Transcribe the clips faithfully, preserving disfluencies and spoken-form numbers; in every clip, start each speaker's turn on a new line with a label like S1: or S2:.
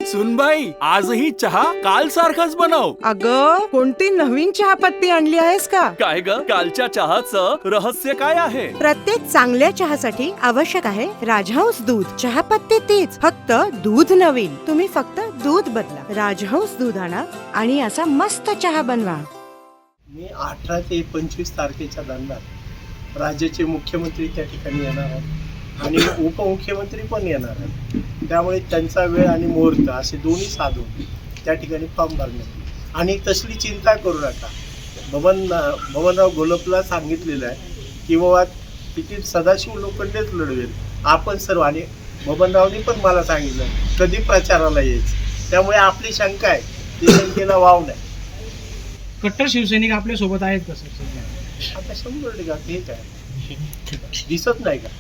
S1: सुनबाई, आजही चहा काल सारखाच बनव.
S2: अगं, कोणती नवीन चहापत्ती आणली आहेस का?
S1: काय ग, कालच्या चहाचं रहस्य काय आहे?
S2: प्रत्येक चांगल्या चहासाठी आवश्यक आहे राजहंस दूध. चहापत्ती तीच, फक्त दूध नवीन. तुम्ही फक्त दूध बदला. राजहंस दूध आणा आणि असा मस्त चहा बनवा.
S3: मी अठरा ते पंचवीस तारखेच्या दरम्यान राज्याचे मुख्यमंत्री त्या ठिकाणी येणार आहेत आणि उपमुख्यमंत्री पण येणार आहेत. त्यामुळे त्यांचा वेळ आणि मुहूर्त असे दोन्ही साधून त्या ठिकाणी फॉर्म भरण्यात. आणि तसली चिंता करू नका. बबन बबनराव घोलपला सांगितलेलं आहे की बाबा तिकीट सदाशिव लोखंडेच लढवेल. आपण सर्व, आणि बबनरावनी पण मला सांगितलं कधी प्रचाराला यायचं. त्यामुळे आपली शंका आहे ती शंकेला वाव नाही.
S4: कट्टर शिवसैनिक आपल्या सोबत आहेत का सर?
S3: आता शंभर टक्का हे काय दिसत नाही का?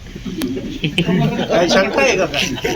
S3: काय शंका आहे का काय?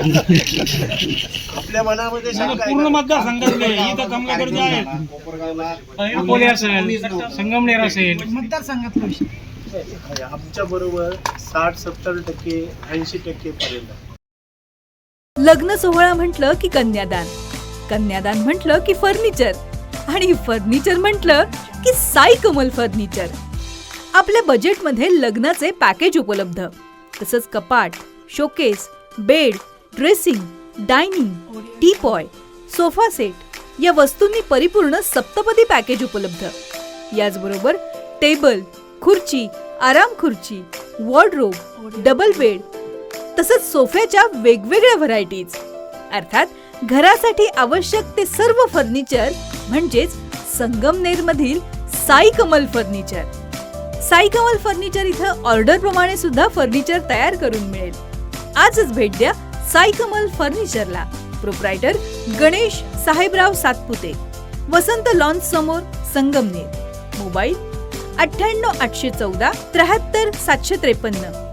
S3: आपल्या मनामध्ये शंका आहे
S4: पूर्ण
S3: का?
S4: मतदारसंघातले इथं कमलाकडचे आहेत, अकोले असेल, संगमनेर असेल, मतदारसंघातला विषय.
S3: आमच्या बरोबर साठ सत्तर टक्के ऐंशी टक्के पर्यंत.
S5: लग्न सोहळा म्हटलं की कन्यादान, कन्यादान म्हटलं की फर्निचर, आणि फर्निचर म्हटलं की साई कमल फर्निचर. आपल्या बजेटमध्ये लग्नाचे पॅकेज उपलब्ध. तसंच कपाट, showcase, bed, dressing, dining, teapoy, sofa set या वस्तूंनी परिपूर्ण सप्तपदी पॅकेज उपलब्ध. याचबरोबर टेबल, खुर्ची, आराम खुर्ची, वॉर्डरोब, डबल बेड तसंच सोफ्याच्या वेगवेगळ्या व्हरायटीज. अर्थात घरासाठी आवश्यक ते सर्व फर्निचर म्हणजेच संगमनेर मधील साई कमल फर्निचर. साई कमल फर्निचर इथं ऑर्डर प्रमाणे सुद्धा फर्निचर तयार करून मिळेल. आजच भेट द्या साई कमल फर्निचरला. प्रोप्रायटर गणेश साहेबराव सातपुते, वसंत लॉन्स समोर, संगमनेर. मोबाईल अठ्ठ्याण्णव आठशे चौदा त्र्याहत्तर सातशे त्रेपन्न.